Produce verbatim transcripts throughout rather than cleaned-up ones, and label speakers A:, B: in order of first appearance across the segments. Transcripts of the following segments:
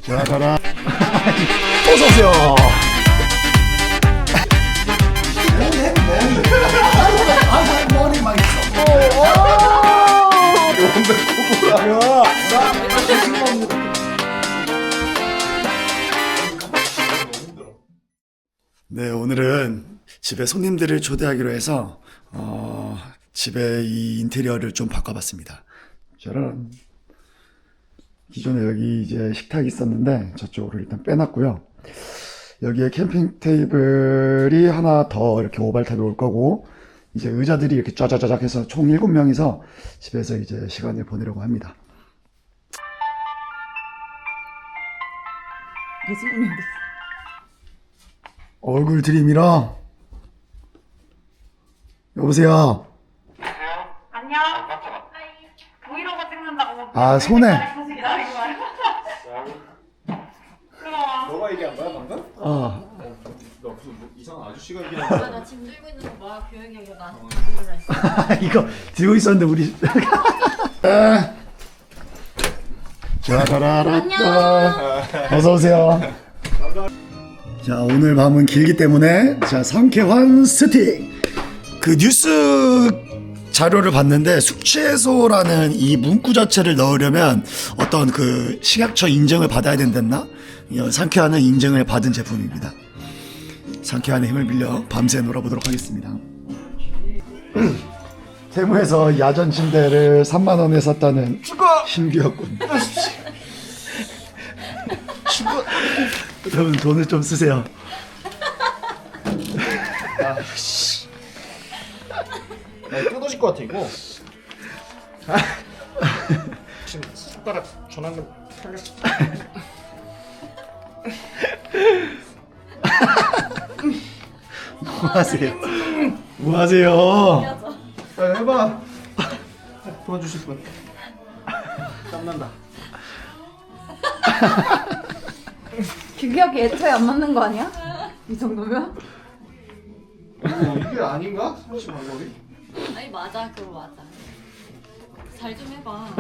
A: 자, 가라. 어서오세요. 머리 막 있어. 네, 오늘은 집에 손님들을 초대하기로 해서 어, 집에 이 인테리어를 좀 바꿔봤습니다. 짜란. 기존에 여기 이제 식탁이 있었는데 저쪽으로 일단 빼놨고요. 여기에 캠핑 테이블이 하나 더 이렇게 오발탑이 올 거고, 이제 의자들이 이렇게 짜자자작 해서 총 일곱 명이서 집에서 이제 시간을 보내려고 합니다.
B: 예수님이 어딨어?
A: 얼굴 들이밀어. 여보세요.
C: 안녕. 브이로그 찍는다고.
A: 아, 손에.
C: 기다리고 와요. 그럼.
D: 너가 얘기한 거야 방금?
A: 어.
D: 나 무슨 뭐 이상한 아저씨가 얘기한 거야?
B: 나 지금 들고 있는 거 뭐야? 교육이가 나한테 들고 있어.
A: 이거 들고 있었는데 우리. 짜라라따. 어서 오세요. 자, 오늘 밤은 길기 때문에 자, 상쾌한 스틱. 그 뉴스 자료를 봤는데 숙취해소라는 이 문구 자체를 넣으려면 어떤 그 식약처 인증을 받아야 된댔나? 이 상쾌한은 인증을 받은 제품입니다. 상쾌한의 힘을 빌려 밤새 놀아보도록 하겠습니다. 세무에서 야전 침대를 삼만 원에 샀다는 신규혁군. 여러분 돈을 좀 쓰세요.
D: 아씨. 야 뜯어질 것 같아 이거. 지금 손가락 전환금 털렸어.
A: 뭐 하세요? 뭐 하세요?
D: 야 해봐. 도와주실 분. 땀난다.
B: 규격이 애초에 안 맞는 거 아니야? 이 정도면?
D: 어, 이게 아닌가? 삼십 방법이?
B: 아니 맞아, 그거 맞아. 잘 좀 해봐.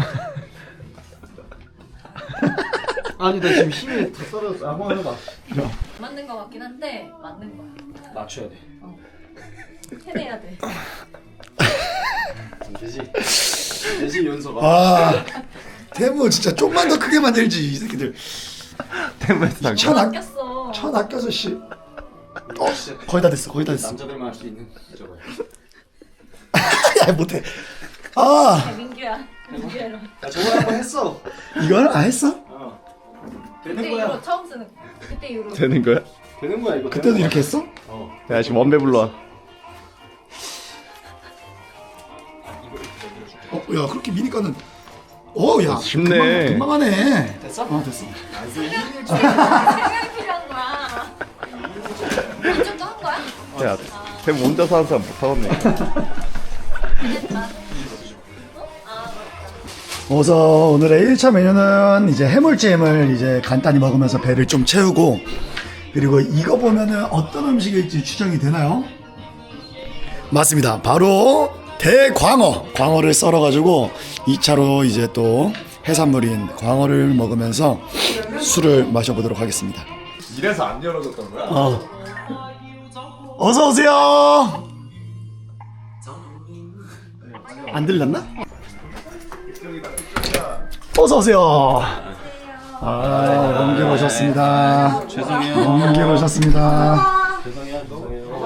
D: 아니 나 지금 힘이 다 떨어졌어. 한번 해봐.
B: 안 맞는 거 같긴 한데 맞는 거야.
D: 맞춰야 돼.
B: 해내야 돼.
D: 되지. 되지 연서가.
A: 아, 태무 진짜 좀만 더 크게 만들지 이 새끼들.
D: 템에서
A: 천 아,
B: 아꼈어.
A: 천 아껴서 씨. 어, 거의 다 됐어, 거의 다 됐어.
D: 남자들만 할 수 있는 저거야.
A: 야, 못해. 아,
B: 야, 민규야. 민규야.
D: 나 저번에 한번 했어.
A: 이걸 안 했어?
D: 어.
B: 그때
D: 되는
B: 이후로
D: 거야.
B: 처음 쓰는 거. 그때 이후로.
E: 되는 거야?
D: 되는 거야 이거.
A: 그때도
D: 되는 거야.
A: 이렇게 했어?
D: 어.
E: 야 지금 원배 불러와.
A: 어, 야, 그렇게 미니까는. 어, 야,
E: 쉽네.
A: 금방, 금방 하네.
D: 됐어?
A: 어, 됐어.
B: 생각이 필요한 거야. 이쪽도 한 거야?
E: 야, 템 혼자서 하는 사람 못하겠네.
B: 됐다.
A: 어서 오늘의 일 차 메뉴는 이제 해물찜을 이제 간단히 먹으면서 배를 좀 채우고, 그리고 이거 보면은 어떤 음식일지 추정이 되나요? 맞습니다. 바로 대광어. 광어를 썰어가지고 이 차로 이제 또 해산물인 광어를 먹으면서 술을 마셔보도록 하겠습니다.
D: 이래서 안 열어줬던 거야?
A: 어. 어서 오세요. 안 들렸나? 어서 오세요. 아, 넘게 오셨습니다.
D: 죄송해요.
A: 넘게 오셨습니다.
D: 죄송해요. 죄송해요.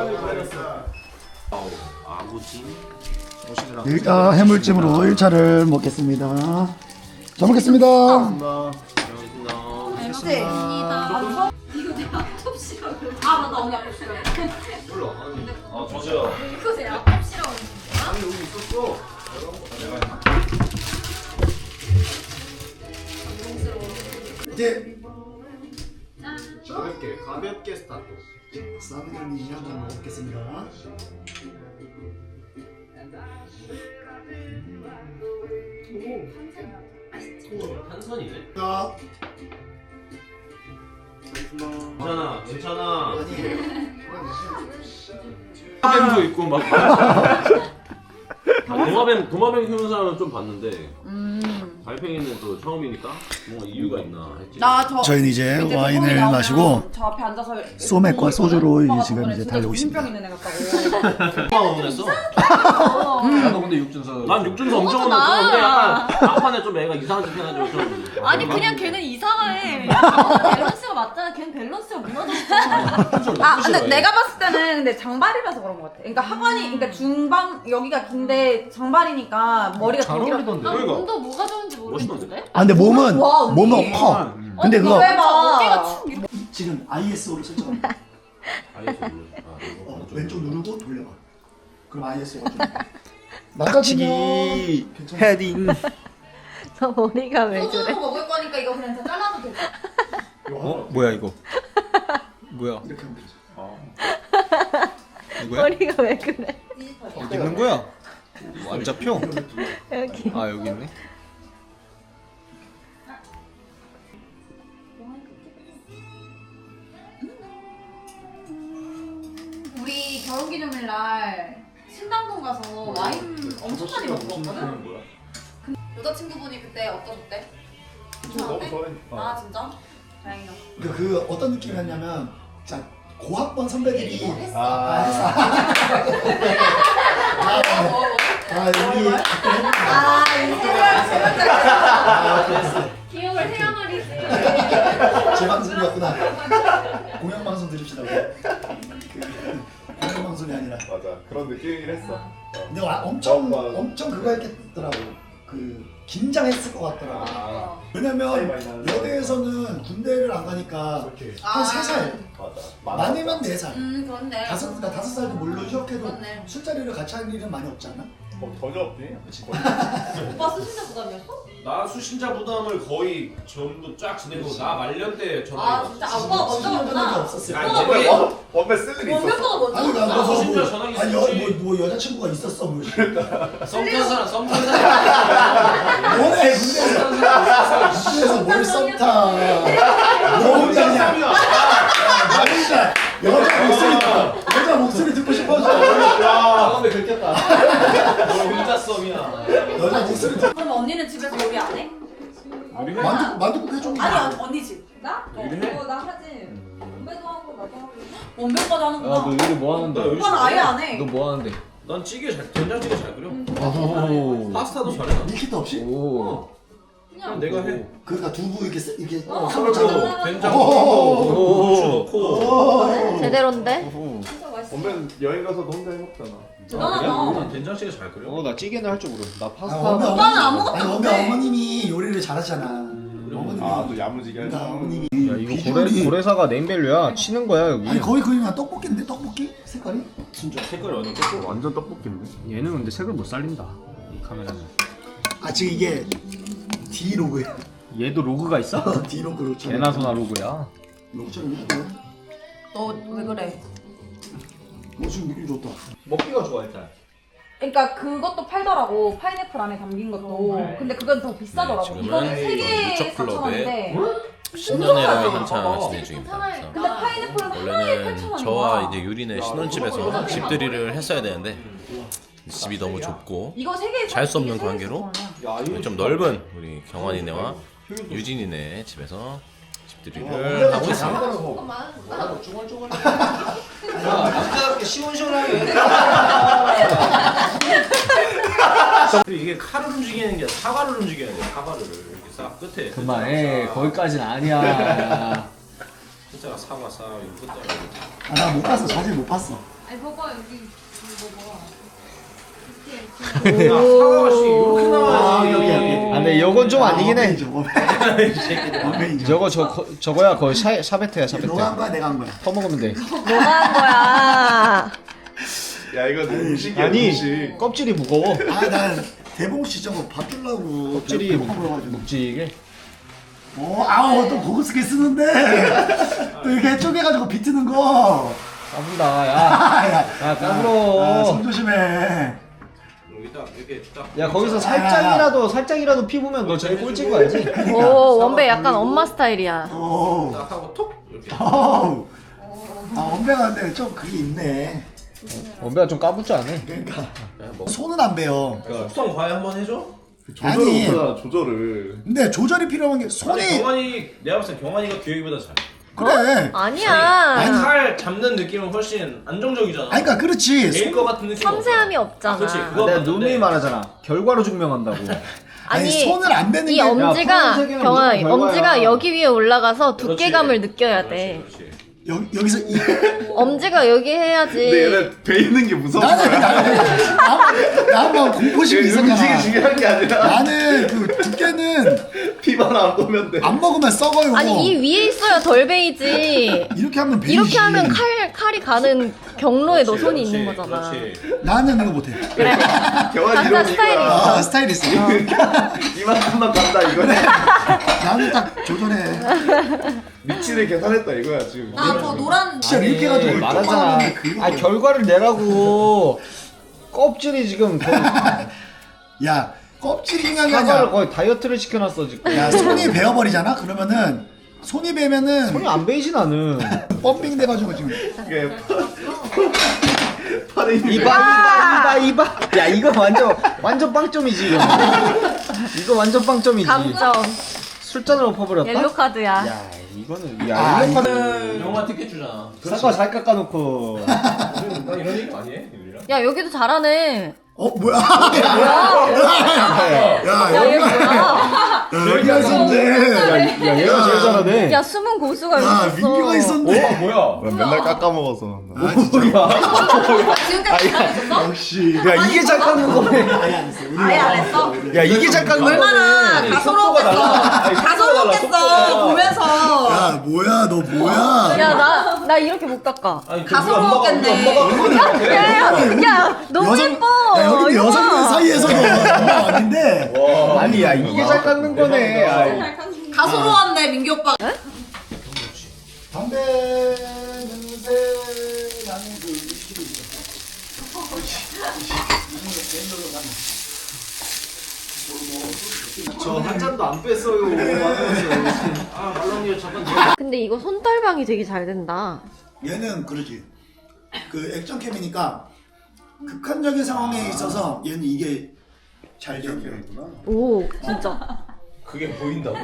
D: 아버지 오시느라.
A: 일단 해물찜으로 일 차를 먹겠습니다. 잘 먹겠습니다.
B: 잘 먹습니다. 이거 내 앞톱시라고. 아 맞다, 언니 앞톱시라고.
D: 아 저죠.
B: 이거 제 앞톱시라고.
D: 아니 여기 있었어.
A: 이제
D: 가볍게 가볍게 스타트.
A: 사비르니 한잔 먹겠습니다.
F: 탄산이네.
A: 자,
F: 괜찮아, 괜찮아.
A: 아니,
F: 도마뱀도 있고 막. 도마뱀 도마뱀 키우는 사람은 좀 봤는데.
B: 음.
F: 달팽이는 또 처음이니까 뭔가 이유가 있나 했지.
B: 나저
A: 저희는 이제 와인을 마시고
B: 저 앞에 앉아서
A: 소맥과 소주로
B: 오빠가
A: 지금
B: 저번에
A: 이제
B: 진짜
A: 달려고 있습니다.
B: 정신병 있는 애 같다고.
F: 오빠 응원했어?
D: 나도 근데 육준서.
F: 난 육준서 엄청
B: 그거잖아.
F: 응원했어. 근데 약간 막판에 좀 애가 이상한 짓 해가지고 좀.
B: 아니 그냥 걔는 이상해. 밸런스가 맞잖아. 걔는 밸런스가 무너졌어. 아 근데 내가 봤을 때는 근데 장발이라서 그런 것 같아. 그러니까 하관이 그러니까 중방 여기가 긴데 장발이니까 머리가
D: 잘
B: 더 길어.
D: 어울리던데.
F: 그러니까.
B: 운도 뭐가 좋은지 모르겠는데.
A: 아 근데 몸은
B: 와, 언니.
A: 몸은 커. 근데
B: 언니,
A: 그거
B: 왜 봐? 어깨가 축 이렇게.
A: 지금 아이에스오로 설정.
F: 알겠어. 아, 이거
A: 어, 왼쪽 누르고 돌려봐. 그럼 아이에스오가 좀. 망가지기
E: 헤딩.
G: 저 머리가 왜 그래?
B: 소주로 먹을 거니까 이거 그냥 다 잘라도 돼.
E: 어? 뭐야 이거? 뭐야?
A: 이렇게 하면 되지.
E: 이거야?
G: 머리가 왜 그래?
E: 어디 있는 거야? 안 잡혀?
G: 여기.
E: 아 여기 있네.
B: 우리 결혼기념일 날 신당동 가서 와인 엄청 많이 먹고 왔거든? 그 여자친구분이 그때 어떠셨대? 괜찮았대? 아 진짜? 다행이다.
A: 그, 그 어떤 느낌이었냐면 자 고학번 선배들이
B: 했어.
A: 아, 했어. 아, 아, 우리
B: 아 이세랑
A: 아, 그랬어.
B: 기억을 해야 말이지.
A: 제 방송이었구나. 공영 방송 들읍시다. 그 공영 방송이 아니라.
E: 맞아. 그런 느낌이긴 했어.
A: 근데 와, 엄청
E: 맞아, 맞아.
A: 엄청 그거 했더라고. 그 긴장했을 것 같더라고.
E: 아,
A: 왜냐면
E: 많이 나는
A: 여대에서는 군대를 안 가니까 한 세 살,
E: 맞아.
A: 많으면 네 살.
B: 음 그렇네.
A: 다섯 나 다섯 살도 물론 휴학해도
B: 그렇네.
A: 술자리를 같이 할 일은 많이 없지 않아?
E: 어, 전혀 없지.
B: 오빠 수신자 부담이었어?
F: 나 수신자 부담을 거의 전부 쫙 지내고 나 말년 때 전화해.
B: 아 진짜 아, 오빠가 먼저
A: 수신자 부담이
B: 갔구나.
A: 없었어요.
F: 아니,
B: 오빠가
F: 원래-
B: 먼저
E: 원래 쓸 일이 있었어.
B: 원배빠가 먼저
A: 아니 나
B: 갔구나.
A: 뭐,
F: 수신자
A: 뭐,
F: 전화기
A: 아니 여,
F: 있었지.
A: 뭐, 뭐 여자친구가 있었어 뭐.
F: 썸 탄 사람, 썸 탄 사람.
A: 뭐래 군대에서 군대에서 뭘 썸타. 너 혼자 그냥 나 혼자 여자 목소리 여자 목소리 듣고 싶어서
D: 아 근데 긁혔다.
F: 너 혼자 썸이야.
A: 여자 목소리 듣.
B: 그럼 언니는 집에서 요리 안 해?
A: 만두 만두국 해줘.
B: 아니 언- 언니 집.
H: 나?
F: 요리 해?
H: 어, 나 하지. 선배도 하고 나도 하고.
B: 원배빠도 하는구나.
D: 야너 요리 뭐 하는데?
B: 오빠는 아예 안 해.
D: 너 뭐 하는데?
F: 난 찌개 잘, 된장찌개 잘 끓여.
D: 오.
F: 파스타도 잘해. 나.
A: 밀키트 없이?
D: 오.
F: 그냥 내가 해.
A: 그러니까 두부 이렇게 쓰- 이렇게
B: 어,
A: 썰어
F: 그리고
A: 짜고.
F: 된장
A: 오.
F: 넣고 고추 넣고.
G: 제대로인데?
H: 진짜 맛있어.
E: 원래는 여행 가서도 혼자 해먹잖아.
B: 대단하다.
F: 난 된장찌개 잘 끓여.
D: 어나 찌개는 할 줄 모르. 나
A: 아,
D: 파스타.
A: 어머니,
B: 오빠는 아무것도
A: 아니,
B: 안
A: 어머니,
B: 해.
A: 어머님이 요리를 잘하시잖아. 어머님이.
E: 아, 또 야무지게 하지.
A: 그러니까 어머님이.
D: 야 이거
A: 비주얼이-
D: 고래 고래사가 네임밸류야. 치는 거야 여기.
A: 아니 거의 거의 그냥 떡볶이인데 떡볶이 색깔이? 진짜.
F: 색깔이 완전 뽀뽀.
E: 완전 떡볶인데.
D: 얘는 근데 색을 못 살린다. 이 카메라는.
A: 아 지금 이게 D 로그야.
D: 얘도 로그가 있어?
A: D 로그로.
D: 개나 소나 로그야.
A: 로그처럼 해도.
B: 너 왜 그래?
A: 뭐 지금 느낌 좋다.
D: 먹기가 좋아 일단.
B: 그러니까 그것도 팔더라고. 파인애플 안에 담긴 것도. 근데 그건 더 비싸더라고.
I: 지금은
B: 이거는 세 개에
I: 유적
B: 사천
I: 클럽에
B: 원인데.
I: 신년회를 한창 진행 중입니다.
B: 근데
I: 그래서
B: 파인애플은 하나에
I: 원래는
B: 팔천 원인
I: 저와
B: 거야.
I: 이제 유리네 신혼집에서 집들이를 했어야 되는데 집이 너무 좁고
B: 이거 세 개에
I: 잘 수 없는
B: 이게 세 개에
I: 관계로
B: 사천 원이야.
I: 좀 넓은 우리 경환이네와 유진이네 집에서 집들이를 하고 있습니다.
D: 남자답게 시원시원하게.
F: 그리고 이게 칼을 움직이는 게 아니라 사과를 움직여야 돼. 사과를 이렇게 싹 끝에.
D: 그만해. 거기까지는 아니야.
F: 진짜 사과 싹 이거 끝에.
A: 아나 못 봤어. 자세히 못 봤어.
H: 아니 봐봐 여기 이거 봐봐.
F: 야, 사과가 씨 이렇게 나와야지.
A: 아, 오케이, 오케이.
D: 아 근데 이건 좀 아니긴 해.
A: 원메인이죠.
D: 저거 저 거- 저거야 거의 샤, 샤베트야 샤베트.
A: 너가 한 거야 내가 한 거야.
D: 퍼먹으면 돼.
G: 뭐가 한 거야?
E: 야, 이거 음식이야,
D: 아니
E: 음식.
D: 껍질이 무거워.
A: 아난 대봉 씨 저거 밥 주려고
D: 껍질이
A: 배고파 보여가지고.
D: 묵직해.
A: 어, 아우 또 고급스럽게 쓰는데 또 이렇게 쪼개가지고 비트는 거.
D: 까불다 야.
A: 야,
D: 야 까불어.
A: 아, 손 조심해.
F: 여기 딱 이렇게 딱.
D: 야 거기서 살짝이라도 살짝이라도 피부면 너 제일 꼴찌인 거 알지?
G: 오 원배 약간 엄마 스타일이야.
A: 오,
F: 딱 하고 톡 이렇게.
A: 오. 아 원배가 근데 좀 그게 있네.
D: 원배가 좀 까불지 않아?
A: 그러니까
F: 야, 뭐
A: 손은 안 배요.
F: 숙성 과외 한번 해줘.
E: 조절을
A: 아니.
E: 못하잖아 조절을.
A: 근데 조절이 필요한 게
F: 아니
A: 손이
F: 경환이 내가 봤을 때 경환이가 규혁이보다 잘해.
A: 그래.
G: 아니야.
F: 칼 잡는 느낌은 훨씬 안정적이잖아.
A: 아니 그러니까 그렇지.
F: 내일
A: 손-
F: 거 같은 느낌.
G: 섬세함이 없잖아.
F: 그렇지.
D: 아,
F: 그거
D: 내가
F: 맞는데.
D: 누누이 말하잖아. 결과로 증명한다고.
A: 아니,
G: 아니,
A: 손을 안 뱉는
G: 이
A: 게
G: 엄지가
D: 푸른색이면
G: 경아
D: 무조건
G: 엄지가
D: 결과야.
G: 여기 위에 올라가서
F: 그렇지.
G: 두께감을 느껴야
F: 그렇지,
G: 돼.
F: 그렇지.
A: 여, 여기서 이
G: 엄지가 여기 해야지.
E: 근데 얘는 베이는 게 무서운
A: 나는
E: 거야.
A: 나는 나 한번 공포심이
E: 음식이
A: 있었잖아.
E: 중요한 게 아니라
A: 나는 그 두께는
E: 피만 안 보면 돼.
A: 안 먹으면 썩어요.
G: 아니 이 위에 있어야 덜 베이지.
A: 이렇게 하면 베이지.
G: 이렇게 하면 칼 칼이 가는 경로에 너
F: 그렇지,
G: 손이
F: 그렇지,
G: 있는 거잖아.
F: 그렇지.
A: 나는 이거 못해.
G: 그래.
E: 경환
G: 각자
E: 이런
G: 스타일이
E: 이거야.
A: 아 스타일 있어.
E: 이만큼만 간다 이거네.
A: 나는 딱 조절해.
E: 위치를 계산했다 이거야 지금.
B: 나 저 노란
A: 진짜 이렇게 해가지고
D: 말하잖아. 아 결과를 내라고. 껍질이 지금 거의
A: 야 껍질이 중요한 게
D: 사과를
A: 아니야.
D: 거의 다이어트를 시켜놨어 지금.
A: 야 손이 베어버리잖아. 그러면은 손이 베면은
D: 손이 안 베이지 나는.
A: 펌핑 돼가지고 지금.
E: 이게 파- 팔에 있는
D: 이봐 이봐 이봐. 야 이거 완전 완전 빵점이지. 이거. 이거 완전 빵점이지.
G: 감점.
D: 술잔을 엎어버렸다.
G: 옐로 카드야.
D: 야 이거는 야
A: 아,
D: 옐로 카드.
F: 영화 티켓 주잖아.
D: 사과 잘 깎아놓고.
F: 나 이런 얘기 많이 해, 유리랑.
G: 야 여기도 잘하네.
A: 어 뭐야?
G: 야
A: 야
G: 얘
A: 여기가
G: 뭐야?
A: 여기가 있었네.
D: 야 얘가 제일 잘하네.
G: 야 숨은 고수가
A: 야
G: 여기 있어.
A: 민규가 있었네.
F: 어 뭐야?
E: 맨날 깎아 먹어서.
A: 아 진짜.
B: 지금까지 잘했었어?
A: 역시.
D: 야 이게 잘 깎는 거네.
A: 아예 안 했어. 우리
B: 아예 안 했어?
D: 야 이게 잘 깎는 거네.
B: 얼마나
F: 속도가
B: 가소로웠겠어.
F: 달라. 아니, 속도가 달라,
B: 가소로웠겠어
F: 속도가.
B: 보면서.
A: 야 뭐야 너 뭐야?
G: 야 나 나 이렇게 못 깎아.
F: 아니 그
B: 가소로웠겠네.
F: 우리 엄마가 우리 엄마가
G: 야야 야, 너무
A: 여성-
G: 예뻐.
A: 야 여기
G: 이거
A: 여성들
G: 봐.
A: 사이에서도 장난 아닌데.
F: 와.
D: 아니 야 이게 잘 깎는 거네. 아이.
B: 가소로웠네 민규 오빠.
A: 담배 냄새 나는 그 위스키도 있어.
D: 저 한 잔도 안 뺐어요.
F: 아 말랑이가 잠깐.
G: 근데 이거 손떨방이 되게 잘 된다.
A: 얘는 그러지. 그 액션캠이니까 극한적인 상황에 있어서 얘는 이게 잘 되는구나.
G: 오 진짜.
F: 그게 보인다고?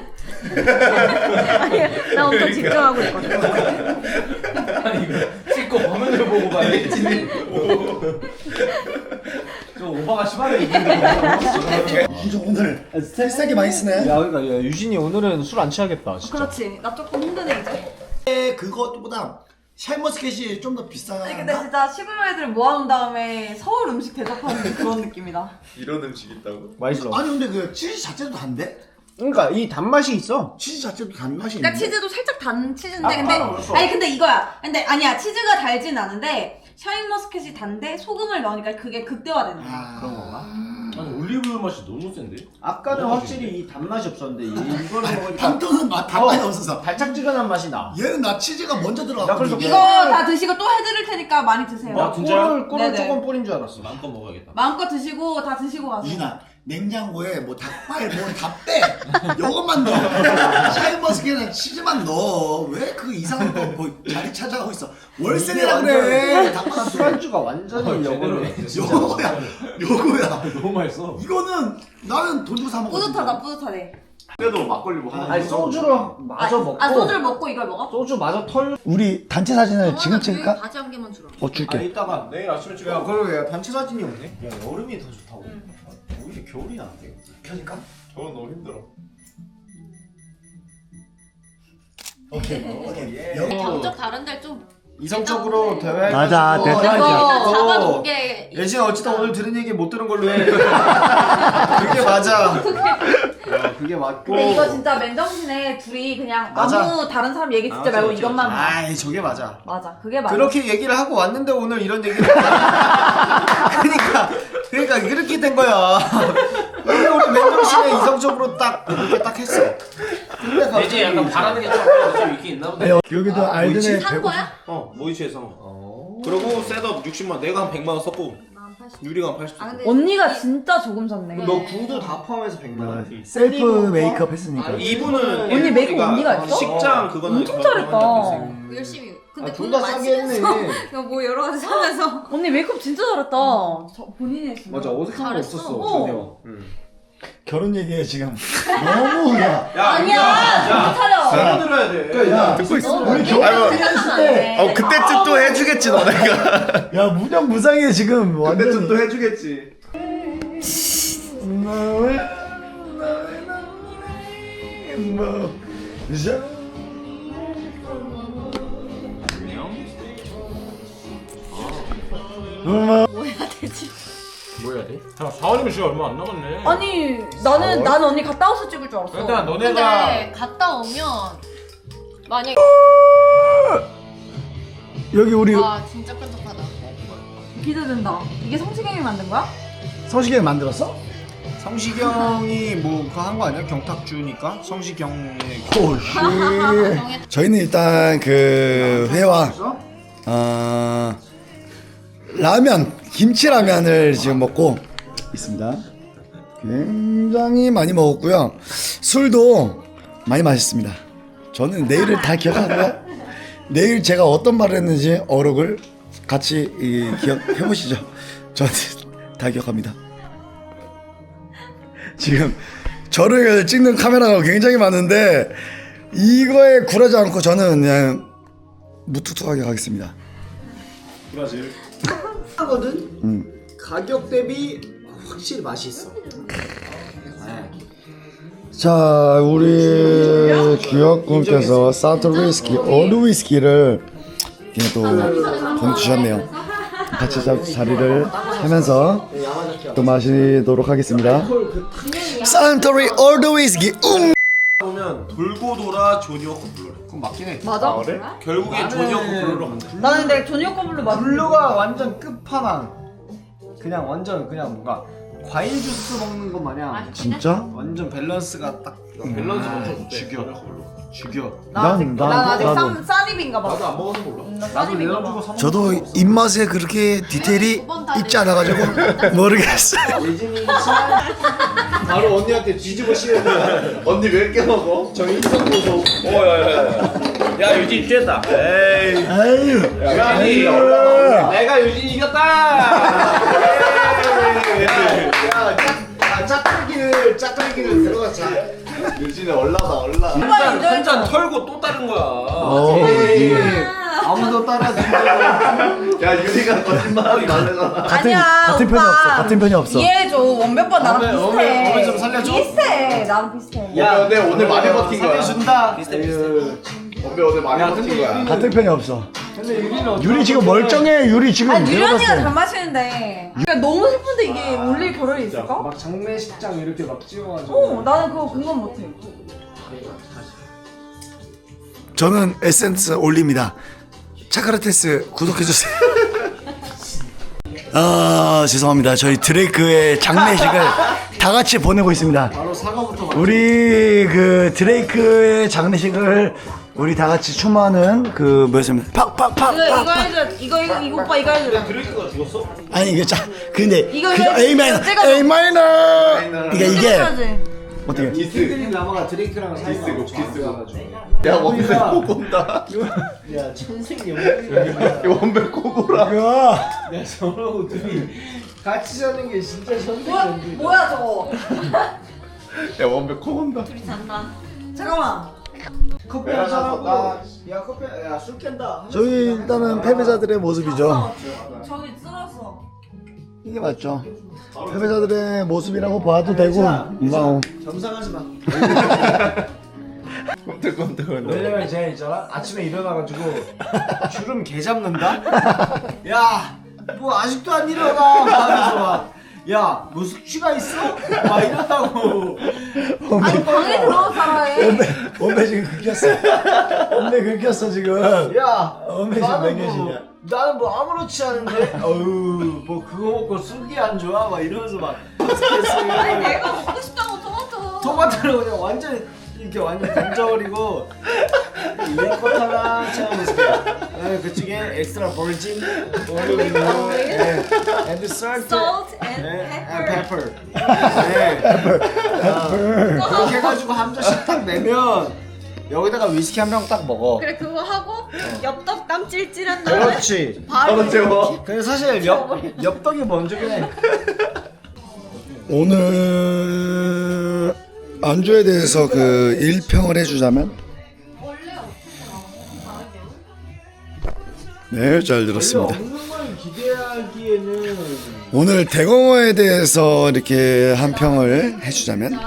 G: 아니 나 엄청 집중하고 있거든.
F: 아니 이거 찍고 화면을 보고 봐야지. 좀 오바가 심하네 이분들.
A: 이제 오늘 세게 많이 쓰네.
D: 야 그러니까 야, 유진이 오늘은 술 안 취하겠다 진짜.
B: 그렇지. 나 조금 힘드네 이제.
A: 그것보다 샤인머스켓이 좀 더 비싼가?
B: 아니 근데 진짜 시골 애들 모아놓은 다음에 서울 음식 대접하는 그런 느낌이다.
E: 이런 음식 있다고?
D: 맛있어.
A: 아니 근데 그 치즈 자체도 단데?
D: 그러니까 이 단맛이 있어.
A: 치즈 자체도 단맛이
B: 그러니까
A: 있는데?
B: 치즈도 살짝 단 치즈인데
D: 아,
B: 근데
D: 아, 그렇죠.
B: 아니 근데 이거야. 근데 아니야 치즈가 달진 않은데 샤인머스켓이 단데 소금을 넣으니까 그게 극대화되는 거야.
A: 아,
D: 그런 건가?
F: 아니 올리브유 맛이 너무 센데?
D: 아까는 확실히 이 단맛이 없었는데 이- 이거를 먹으니까
A: 단도는 맛 단맛이 없어서.
D: 달짝지근한 맛이 나.
A: 얘는 나 치즈가 먼저
D: 나
A: 들어가.
D: 그래서
B: 이거 다 드시고 또 해드릴 테니까 많이 드세요.
F: 아, 진짜요?
D: 꿀을 꿀을
B: 네네.
D: 조금 뿌린 줄 알았어.
F: 마음껏 먹어야겠다.
B: 마음껏 드시고 다 드시고 가세요.
A: 이진아 냉장고에 뭐 닭발 뭐 다 빼. 요것만 넣어. 샤인머스켓은 치즈만 넣어. 왜 그 이상한 거 뭐 자리 찾아가고 있어. 월세내라 그래. 닭발
D: 술안주가 완전히
F: 어, 제대로
D: 역으로.
F: 했어.
A: 요거야. 요거야.
F: 너무 맛있어.
A: 이거는 나는 돈 주고 사 먹어.
B: 뿌듯하다 뿌듯하대.
E: 그래도 막걸리 뭐 하나.
D: 아니 소주를 마저
B: 아,
D: 먹고.
B: 아 소주를 먹고 이걸 먹어?
D: 소주 마저 털.
A: 우리 단체 사진을 지금 찍을까?
B: 바지 한 개만 주라.
A: 어 줄게.
D: 아니 이따가.
F: 내일 아침에 찍어.
D: 야 그러게 야, 단체 사진이 없네. 야 여름이 더 좋다고. 오히려 겨울이 나은데.
A: 켜질까?
E: 저건 너무 힘들어.
A: 오케이. 오케이. 여기
G: 경적 다른 데를 좀.
D: 이성적으로 대회.
A: 맞아, 대단하지.
G: 이거 잡아놓게.
D: 예진 어쨌든 오늘 들은 얘기 못 들은 걸로 해. 그게 맞아. 어, 그게 맞고.
B: 근데 이거 진짜 맨정신에 둘이 그냥
D: 맞아.
B: 아무 다른 사람 얘기 듣지
D: 맞아,
B: 말고
D: 맞아,
B: 이것만 봐.
D: 아이 저게 맞아.
B: 맞아 그게 맞아.
D: 그렇게 얘기를 하고 왔는데 오늘 이런 얘기를. 그러니까 그러니까 그렇게 된 거야. 근데 우리 맨정신에 이성적으로 딱 이렇게 딱 했어. 근데
F: 이제 약간 바라는 게 좀, 좀 있긴 있나 보다.
A: 여기도 알든에
B: 산 거야?
F: 어, 모이치에서 산 거. 그리고 셋업 육십만, 내가 한 백만 원 썼고, 유리가 한 팔십.
B: 아, 근데 언니가 진짜 조금 샀네.
D: 너 구두 다 포함해서 백만 원.
A: 셀프 메이크업 했으니까.
F: 이분은
B: 언니 메이크업 언니가 했어?
F: 식장 그거는
B: 엄청
F: 저-
B: 잘했다.
F: 저한테
H: 열심히.
D: 아,
H: 근데
D: 둘
H: 돈을
D: 다
H: 많이
D: 싸게 했네.
H: 쓰면서 이거 뭐 여러 가지 사면서
B: 언니 메이크업 진짜 잘했다. 저 본인이 했어.
D: 맞아 어색한 거
H: 잘했어.
D: 없었어
B: 어.
D: 전혀. 응.
A: 결혼 얘기해 지금. 너무 야.
F: 야,
B: 아니야, 정신 차려.
F: 잘 들어야 돼.
A: 야,
E: 듣고 있어.
A: 우리 결혼 얘기했을 때.
E: 어 그때쯤 또 해주겠지 너네가.
A: 야 무념 무상해 지금 완전.
E: 그때쯤 또 해주겠지.
G: 뭐 해야 되지?
F: 뭐 해야 돼? 야, 사원이면 시간 얼마 안 남았네.
B: 아니 나는 난 언니 갔다 와서 찍을 줄 알았어.
F: 일단 너네가
G: 근데 갔다 오면 만약에
A: 여기 우리
G: 와 진짜 끈적하다.
B: 기대된다. 이게 성시경이 만든 거야?
A: 성시경 만들었어?
D: 성시경이 뭐 그거 한 거 아니야? 경탁주니까 성시경의
A: 오씨.
G: 정해.
A: 저희는 일단 그 회와 어, 라면 김치 라면을 지금 먹고 있습니다. 굉장히 많이 먹었고요. 술도 많이 마셨습니다. 저는 내일을 다 기억하고요. 내일 제가 어떤 말을 했는지 어록을 같이 이, 기억해 보시죠. 저는 다 기억합니다. 지금 저를 찍는 카메라가 굉장히 많은데 이거에 굴하지 않고 저는 그냥 무뚝뚝하게 가겠습니다.
D: 브라질 하거든.
A: 음.
D: 가격 대비 확실히 맛이 있어.
A: 자, 우리 귀엽군께서 사토 위스키, 오르 위스키를 이렇게 또 보내주셨네요. 같이 자, 자리를 하면서 또 마시도록 하겠습니다. 산토리 올드 위스키. 음.
F: 보면 돌고 돌아 조니 워커 블루래.
D: 그건 맞긴 해.
B: 맞아?
F: 결국엔 조니 워커 블루로 간다.
B: 나는 근데 조니오 커블로 맞.
D: 블루가 완전 끝판왕. 그냥 완전 그냥 뭔가 과일 주스 먹는 것 마냥
A: 진짜?
D: 완전 밸런스가 딱
F: 밸런스
D: 아,
F: 엄청
D: 죽여. 죽여.
B: 나 아직
A: 난-
B: 난,
A: 난-
B: 아직
A: 나도.
B: 쌈 쌈입인가 봐.
F: 나도 안 먹어서 몰라.
B: 음, 나
D: 나도
B: 쌈입인가 봐.
D: 내려주고 사 먹는
A: 저도 입맛에 그렇게 디테일이 있지 않아가지고 모르겠어요.
D: 예진이 바로 언니한테 뒤집어 씌우는
E: 언니 왜 이렇게 먹어?
D: 저 인성 보소.
F: 오야야야. 야 유진 쬐다. 에이.
A: 아유,
F: 유진이.
A: 아유.
F: 내가 유진 이겼다.
D: 야, 짝대기를 짝대기를 들어가자.
E: 유진이 올라다 올라.
F: 한잔 한잔 털고 또 다른 거야.
A: 어,
D: 아무도 따라주지.
E: 야 유리가 거짓말하지 말래잖아.
A: 같은
B: 아니야,
A: 같은 편이
B: 오빠.
A: 없어. 같은 편이 없어.
B: 이해해줘. 원백번 나랑
D: 원백,
B: 비슷해.
D: 원백, 원백 좀 살려줘.
B: 비슷해. 나랑 비슷해.
E: 야, 근데 오늘 많이 버틴 거야.
D: 살려준다.
E: 엄배 오늘 많이 버틴 거야.
A: 같은 편이 없어.
D: 근데 유리는 어떡해.
A: 유리 지금 멀쩡해. 유리 지금
B: 아니 유리
A: 내가
B: 언니가
A: 봤을
B: 잘
A: 때.
B: 마시는데. 그러니까 너무 슬픈데 이게 올릴 겨를이 있을까?
D: 막 장례식장 이렇게 막 찍어가지고.
B: 어, 나는 그거 공감 못해.
A: 저는 에센스 올립니다. 차카라테스 구독해주세요. 아 죄송합니다. 저희 드레이크의 장례식을 다 같이 보내고 있습니다.
D: 바로 사과부터 막.
A: 우리 그 드레이크의 장례식을 우리 다 같이 추모하는 그 뭐였습니까?
B: 이거 이거
A: 팍팍팍팍.
B: 해줘. 이거 이거 이거 오빠 이거 해줘.
F: 드레이크가 죽었어?
A: 아니 이게 자 근데
B: 이거
A: 그
B: 이거
A: A 마이너
B: 찍어줘.
A: A 마이너 이게 이게
B: 해줘야지.
A: 어떻게?
E: 디스.
D: 팬들이 남아가 드레이크랑 사이가
E: 디스고,
D: 좋아서
E: 디스고.
D: 가지고.
E: 야 원배 꼭 온다.
D: 야 천생 연분이야.
E: 야 원배 꼭 오라.
A: 이거
D: 야 저러고 둘이 같이 자는 게 진짜 천생
B: 뭐야
D: 연분이야.
B: 뭐야 저거?
E: 야 원배 꼭 온다.
G: 둘이 잔다.
B: 잠깐만.
D: 커피 한 잔 하고. 야 커피 야술 깬다.
A: 저희 일단은 패배자들의 모습이죠.
B: 어, 저기 쓸었어.
A: 이게 맞죠. 패배자들의 모습이라고 봐도 되고 뭐
D: 점상하지 마.
E: 꼼짝꼼짝.
D: 왜냐면 제가 있잖아 아침에 일어나가지고 주름 개 잡는다. 야 뭐 아직도 안 일어나. 하면서 막. 야, 뭐 숙취가 있어? 막 이런다고.
B: 아니 방에 들어가 살아해.
A: 원배 원배 지금 긁혔어. 원배 긁혔어 지금.
D: 야,
A: 원배 지금
D: 나는
A: 몇
D: 뭐,
A: 개씩이야?
D: 나는 뭐 아무렇지 않은데. 어우, 뭐 그거 먹고 숙이 안 좋아? 막 이러면서 막.
B: 아니 내가 먹고 싶다고 토마토.
D: 토마토를 그냥 완전 이렇게 완전 던져버리고 리코타나 채워놓으세요. 그쪽에 엑스트라 버진, 올리브, and salt,
B: Salt and
D: 네,
B: pepper.
D: and pepper. 네. 아, 그렇게 해가지고 한 잔씩 딱 내면 여기다가 위스키 한 병 딱 먹어.
G: 그래 그거 하고 엽떡 땀 찔찔한 다음에
D: 그렇지.
G: 바로
E: 바로 재워.
D: 근데 사실 엽 엽떡이 먼저긴 해.
A: 오늘 안주에 대해서 그 일평을 해주자면 네, 잘 들었습니다.
D: 없는 걸 기대하기에는
A: 오늘 대공어에 대해서 이렇게 한 평을 해주자면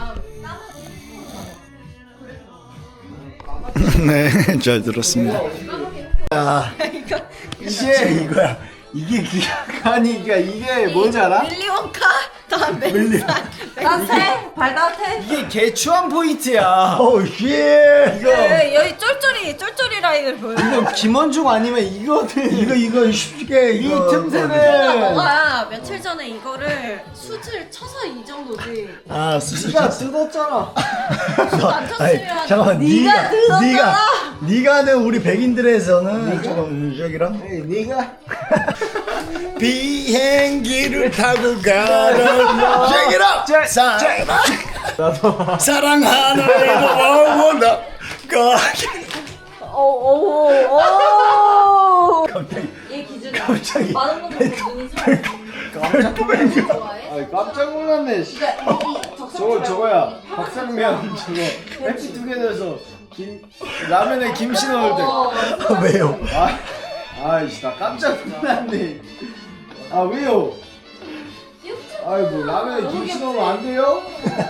A: 네, 잘 들었습니다.
D: 아, 이게 이거야. 이게 기가니까 이게 뭔지 알아?
G: 밀리원카 다음에
B: 따뜻해? 발 따뜻해?
D: 이게 개추한 포인트야.
A: 오, 예.
D: 이거
B: 네, 여기 쫄쫄이 쫄쫄이 라인을 보여.
D: 이거 김원중 아니면 이거는
A: 이거 이거 쉽게
D: 이
A: 이거
D: 틈새는
G: 너가 며칠 전에 이거를 숯을 쳐서 이 정도지.
A: 아, 수술
D: 네가 뜯었잖아.
G: 안 쳤으면
A: 잠깐만,
B: 네가 들었잖아.
A: 네가 네가 하는 우리 백인들에서는 조금 저기랑
D: 에이, 네가
A: 비행기를 타고 가라. 쟁이라 사 사랑하는 원원다.
B: 오오오.
A: 갑자기
B: 얘 기준이.
A: 갑자기
B: 많은 놈들 눈이 살.
D: 깜짝 아이 깜짝 놀랐네. 씨. 저거 저거야. 박상면 저거 팩트 두개 넣어서 김 라면에 김치 넣을 때.
A: 왜요?
D: 아, 아이씨 나 깜짝 놀랐네. 아 왜요? 아이 뭐 라면에 김치 넣으면 안 돼요?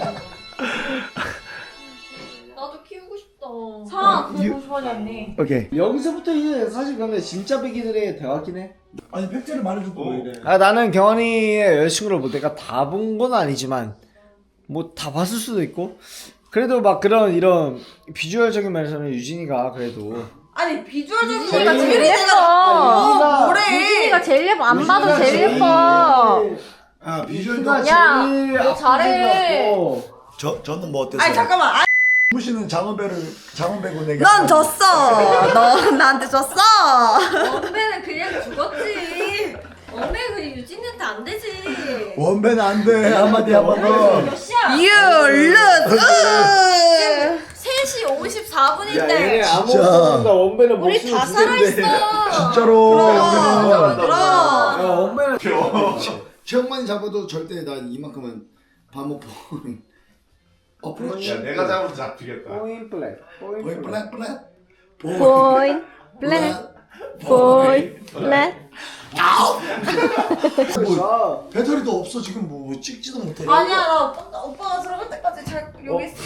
G: 나도 키우고 싶다.
B: 사 그거 좋아졌니?
A: 오케이.
D: 여기서부터 이제 사실 근데 진짜 백이들의 대화긴 해.
A: 아니 팩트를 말해줄 거 이래.
D: 아 나는 경환이의 여자친구를 뭐 내가 다 본 건 아니지만 뭐 다 봤을 수도 있고 그래도 막 그런 이런 비주얼적인 면에서는 유진이가 그래도
B: 아니 비주얼적인
D: 제일
B: 거가 제일
D: 예뻐.
B: 예뻐.
D: 뭐래?
B: 유진이가 제일 예뻐. 안 봐도
D: 유진이가
B: 제일 예뻐.
A: 아 비주얼도
D: 유진이가
B: 야,
D: 제일
B: 너 잘해.
D: 앞서고.
A: 저 저는 뭐 어땠어요?
B: 아니 잠깐만. 아니,
A: 무시는 장원배를 장원배고 내가.
B: 넌 졌어. 너 나한테 졌어.
G: 원배는 그냥 죽었지. 원배 그 유진이한테 안 되지.
A: 원배는 안 돼. 한마디 한번 더.
G: 몇 시야?
B: You lose.
G: 세 시 오십사
D: 야 얘네
G: 분인데
D: 아무것도 원배는
G: 우리
D: 목숨을
G: 다
D: 두 개인데.
G: 살아있어.
A: 진짜로.
B: 그럼.
A: 여기는.
D: 야 원배는
A: 최영만이 잡아도 절대 난 이만큼은 밥 먹고. 어프로치.
E: 야 내가 잡으면 잡히겠다.
D: 포인 플랫 포인
A: 보이
D: 플랫
A: 플랫 플랫.
B: 보인 플랫 보인 플랫.
A: 뭐 배터리도 없어 지금 뭐 찍지도 못해.
B: 아니야 나 오빠, 오빠가 들어갈 때까지 잘 여기 있어.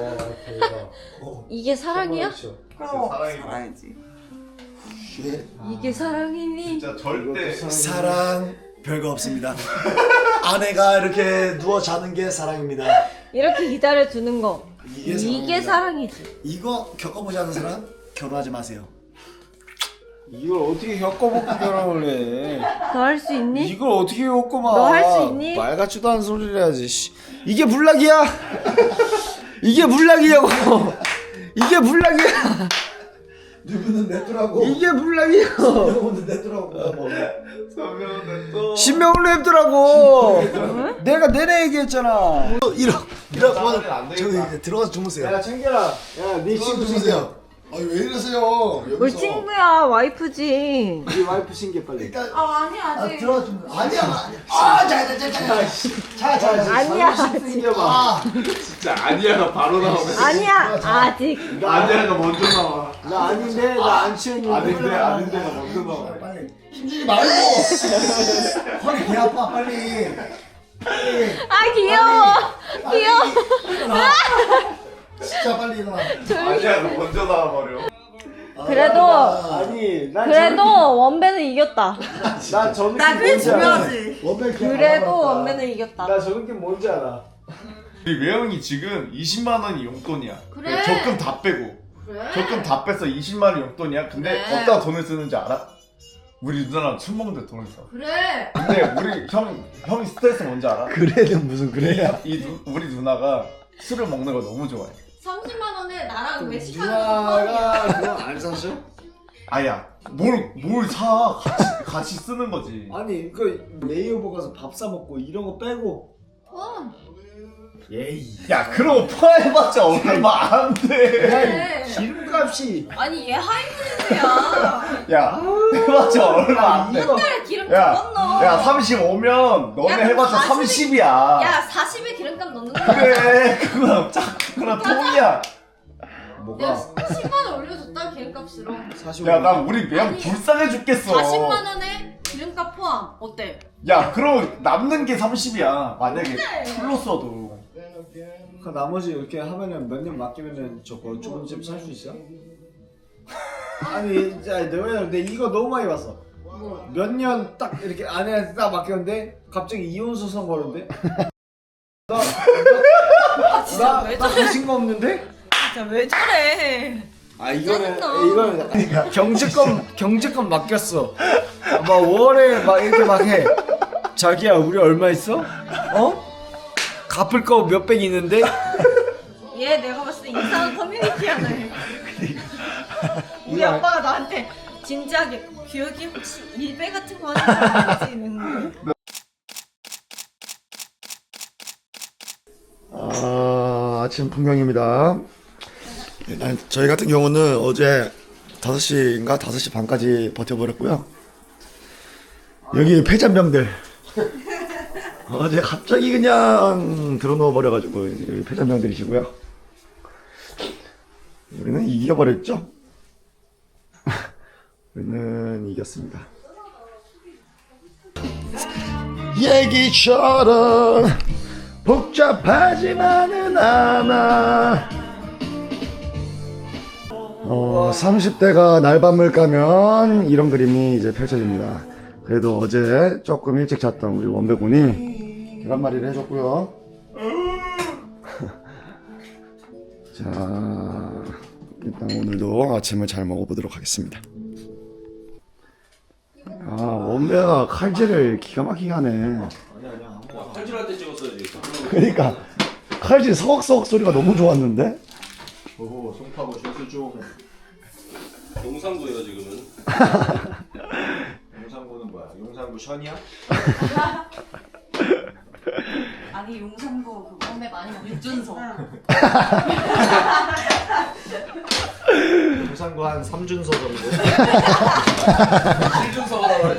G: 이게 사랑이야?
B: 그럼
E: 사랑이
B: 살아야지.
A: 쉣.
G: 이게 사랑이니?
E: 진짜 절대
A: 사랑 별거 없습니다. 아내가 이렇게 누워 자는 게 사랑입니다.
G: 이렇게 기다려주는 거.
A: 이게
G: 이게
A: 사랑입니다.
G: 사랑이지.
A: 이거 겪어보지 않은 사람 결혼하지 마세요.
D: 이걸 어떻게 겪어보고 결혼을 해?
G: 너 할 수 있니?
D: 이걸 어떻게 겪고만?
G: 너 할 수 있니?
D: 말 같지도 않은 소리를 해야지. 씨. 이게 불락이야? 이게 불락이냐고? 이게 불락이야?
A: 누구는 냈더라고.
D: 이게 불락이야?
A: 누구는 냈더라고.
E: 서면은 또
D: 신명을 냅더라고. 내가 내내 얘기했잖아.
A: 이러 이러
E: 나가면 안 되겠다.
A: 저기 이제 들어가서 주무세요.
D: 야 챙겨라. 야, 네
A: 들어가서
D: 친구 챙겨.
A: 주무세요. 아니 왜 이러세요?
G: 우리
A: 여기서.
G: 친구야 와이프지.
D: 네 와이프 챙겨 빨리.
A: 일단
B: 아 아니
A: 아
B: 아직.
A: 들어가 좀 아니야 아니야. 아자자자자자자자
G: 아니야.
D: 챙겨봐.
A: 아
E: 진짜 아니야가 바로 나오네.
G: 아니야 아직.
E: 아니야가 먼저 나와.
D: 나 아닌데 나 안 취했는데.
E: 아닌데 아닌데가 먼저 나와.
A: 빨리 힘주지 말고. 허리 개 아파 빨리. 빨리.
G: 아 귀여워. 귀여워.
A: 일어나. 진짜 빨리 일어나.
E: 아니야가 먼저 나와 버려.
G: 그래도
D: 아니 난
G: 그래도 원배는 이겼다.
D: 저런, 난 저런
B: 나
D: 게
B: 그게
D: 뭔지 알아.
B: 중요하지.
A: 원벨 개
G: 그래도
A: 아파봤다.
G: 원배는 이겼다.
D: 나 저런 게 뭔지 알아.
E: 우리 외형이 지금 이십만 원이 용돈이야.
G: 그래.
E: 적금 다 빼고.
G: 그래?
E: 적금 다 빼서 이십만 원 용돈이야. 근데
G: 그래.
E: 어디다 돈을 쓰는지 알아? 우리 누나랑 술 먹는데 돈을 써.
G: 그래.
E: 근데 우리 형 형이 스트레스 뭔지 알아?
A: 그래는 무슨 그래야?
E: 이 누, 우리 누나가 술을 먹는 거 너무 좋아해.
G: 삼십만 원에 나랑 외식하는 거
D: 누나가 그거 안 사셔?
E: 아야 뭘 뭘 사 같이 같이 쓰는 거지.
D: 아니 그 레이오버 가서 밥 사 먹고 이런 거 빼고
G: 어.
D: 예이.
E: 야 그럼 포함해봤자 얼마 안 돼.
D: 야, 이 기름값이.
G: 아니 얘 하이브리드야.
E: 야 해봤자 얼마 안 돼.
G: 한 달에 기름값
E: 야,
G: 못 넣어.
E: 야 삼십오면 너네
G: 야, 그럼
E: 해봤자
G: 사십에
E: 삼십이야.
G: 야 사십에 기름값 넣는 거야.
E: 그래 그거랑 짝그거랑 통이야.
D: 뭐가?
G: 야 십만 원 올려줬다 기름값으로.
D: 사십오.
E: 야 난 우리 매형
G: 아니,
E: 불쌍해 죽겠어.
G: 사십만 원에 기름값 포함 어때?
E: 야 그럼 남는 게 삼십이야. 만약에 풀로 써도.
D: 그 나머지 이렇게 하면은 몇 년 맡기면은 저거 좋은 집 살 수 있어? 아니 진짜 내가 근데 이거 너무 많이 봤어. 몇 년 딱 이렇게 아내한테 딱 맡겼는데 갑자기 이혼 소송 거는데? 나,
G: 아 진짜
D: 나,
G: 왜
D: 나
G: 저래?
D: 가진 거 없는데?
G: 진짜 왜 저래?
D: 아 이거는
G: 짜증나.
D: 이거는 경제권 경제권 맡겼어. 막 월에 막 이렇게 막 해. 자기야 우리 얼마 있어? 어? 갚을 거 몇백 있는데?
G: 얘 내가 봤을 때 이상한 커뮤니티야 너. 우리
D: 이거
G: 아빠가 나한테 진지하게 기억이 혹시 일배 같은 거 하는 거 아니지? 이러는데.
A: 아, 아침 풍경입니다. 일단 저희 같은 경우는 어제 다섯 시인가 다섯 시 반까지 버텨버렸고요. 여기 폐잔병들 어제 갑자기 그냥 들어놓아 버려가지고 여기 폐잔병들이시고요. 우리는 이겨버렸죠? 우리는 이겼습니다. 얘기처럼 복잡하지만은 않아. 어, 삼십 대가 날밤을 까면 이런 그림이 이제 펼쳐집니다. 그래도 어제 조금 일찍 잤던 우리 원배군이 계란말이를 해줬고요. 자, 일단 오늘도 아침을 잘 먹어보도록 하겠습니다. 아, 원배가 칼질을 기가 막히게 하네.
F: 칼질할 때 찍었어야지.
A: 그러니까 칼질 서걱서걱 소리가 너무 좋았는데?
D: 오호 송파구 조수 좀.
F: 용산구예요 지금은.
D: 용산구는 뭐야? 용산구 션이야?
B: 아니 용산구 그거 근데 많이 먹 육준서.
D: 용산구 한 삼준서 정도?
F: 실준서가 나와야지.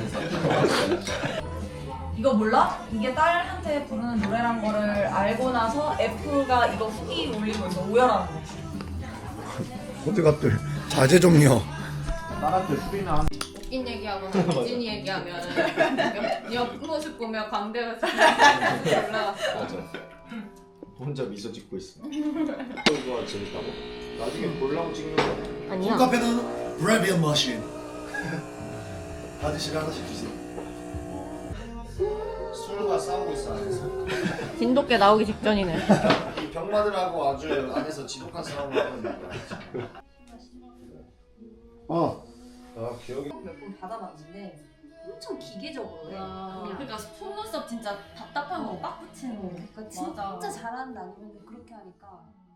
B: 이거 몰라? 이게 딸한테 부르는 노래란 거를 알고 나서 F가 이거 후기 올리고 있어. 오열하는 거.
A: 어디 갔대? 자제 좀요.
D: 나한테 수리나 한.
G: 웃긴 얘기하거나 유진이 얘기하면 옆, 옆 모습 보면 광대가 올라갔어.
F: 맞아.
D: 혼자 미소 짓고 있어. 그거 재밌다고? 나중에 볼랑 찍는 거.
G: 아니야.
A: 카페는 브레비언 머신. 아저씨가 하나씩 주세요.
D: 술과 싸우고 있어 안에서.
G: 진돗개 나오기 직전이네.
D: 이 병마들하고 아주 안에서 지독한 싸움을 하고 있는 거야.
A: 어.
D: 아 기억이.
B: 몇 번 받아봤는데 엄청 기계적으로 해.
G: 그러니까 속눈썹 진짜 답답한 거 빡 붙이는 거.
H: 그러니까
B: 맞아.
H: 진짜 잘한다 아니면 그렇게 하니까